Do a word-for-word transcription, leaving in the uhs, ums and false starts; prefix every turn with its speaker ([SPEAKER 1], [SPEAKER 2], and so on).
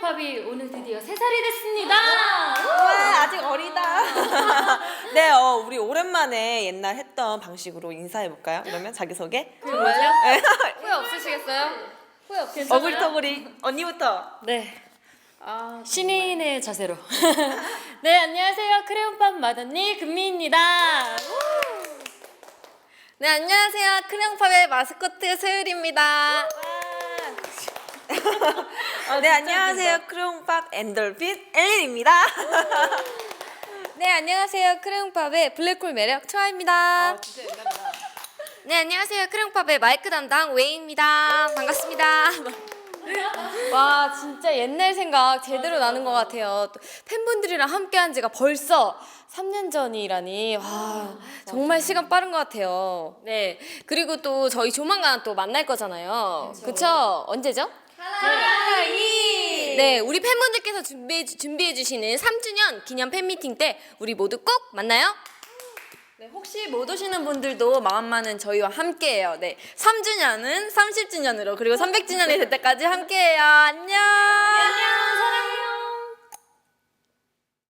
[SPEAKER 1] 크레용팝이 오늘 드디어 세 살이 됐습니다.
[SPEAKER 2] 와, 아직 어리다. 네, 어, 우리 오랜만에 옛날 했던 방식으로 인사해볼까요? 그러면 자기소개?
[SPEAKER 1] 정말요? 후회 없으시겠어요? 후회 없겠어요?
[SPEAKER 2] 어글터글이 언니부터.
[SPEAKER 1] 네. 아, 신인의 자세로. 네, 안녕하세요. 크레용팝 맏언니 금미입니다.
[SPEAKER 3] 네, 안녕하세요. 크레용팝의 마스코트 소율입니다.
[SPEAKER 2] 네, 안녕하세요. 크레용팝 엔돌핀 엘린입니다.
[SPEAKER 3] 네, 안녕하세요. 크레용팝의 블랙홀 매력 초아입니다. 네, 안녕하세요. 크레용팝의 마이크 담당 웨이입니다. 반갑습니다. 와, 진짜 옛날 생각 제대로 나는 것 같아요. 또 팬분들이랑 함께한 지가 벌써 삼 년 전이라니. 와, 정말 시간 빠른 것 같아요. 네, 그리고 또 저희 조만간 또 만날 거잖아요. 그쵸? 언제죠? 하이! 네, 우리 팬분들께서 준비해, 준비해 주시는 삼 주년 기념 팬미팅 때 우리 모두 꼭 만나요. 네, 혹시 못 오시는 분들도 마음만은 저희와 함께해요. 네, 삼 주년은 삼십 주년으로 그리고 삼백 주년이 될 때까지 함께해요. 안녕.
[SPEAKER 1] 안녕, 사랑해요.